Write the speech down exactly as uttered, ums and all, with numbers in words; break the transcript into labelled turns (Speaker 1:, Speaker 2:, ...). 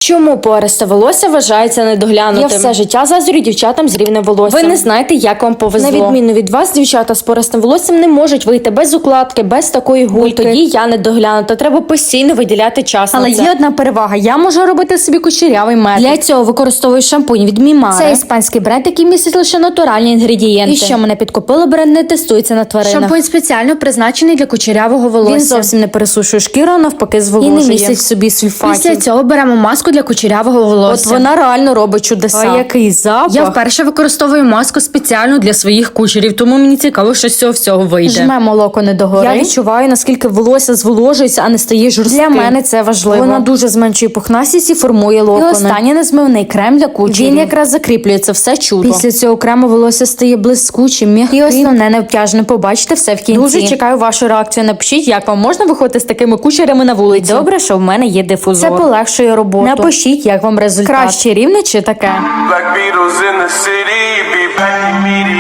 Speaker 1: Чому пористе волосся вважається недоглянутим? Я все життя заздрю дівчатам з рівнем волоссям. Ви не знаєте, як вам повезло. На відміну від вас, дівчата з пористим волоссям не можуть вийти без укладки, без такої гульки. Тоді я недоглянута. Треба постійно виділяти час.
Speaker 2: Але
Speaker 1: на це.
Speaker 2: є одна перевага. Я можу робити собі кучерявий метод. Для цього використовую шампунь від Мімаре. Це іспанський бренд, який містить лише натуральні інгредієнти. І що мене підкупило, бренд не тестується на тваринах. Шампунь спеціально призначений для кучерявого волосся. Він зовсім не пересушує шкіру, а навпаки зволожує. І не містить в собі сульфатів. Після цього беремо маску для кучерявого волосся.
Speaker 1: От вона реально робить чудеса.
Speaker 2: А який запах?
Speaker 3: Я вперше використовую маску спеціально для своїх кучерів, тому мені цікаво, що з цього всього вийде.
Speaker 2: Жмемо локони догори.
Speaker 1: Я відчуваю, наскільки волосся зволожується, а не стає жорстким.
Speaker 2: Для мене це важливо.
Speaker 1: Вона дуже зменшує пухнастість і формує локони.
Speaker 2: І останнє незмивний крем для кучерів.
Speaker 1: Він якраз закріплює це все чудо.
Speaker 2: Після цього крему волосся стає блискучим, м'яким. І основне необтяжне. Побачите все в кінці.
Speaker 1: Дуже чекаю вашу реакцію. Напишіть, як вам можна виходити з такими кучерями на вулиці.
Speaker 2: Добре, що в мене є дифузор.
Speaker 1: Це полегшує роботу.
Speaker 2: Напишіть, як вам результат.
Speaker 1: Краще рівне чи таке?
Speaker 4: Black Beatles in the city, be back immediately.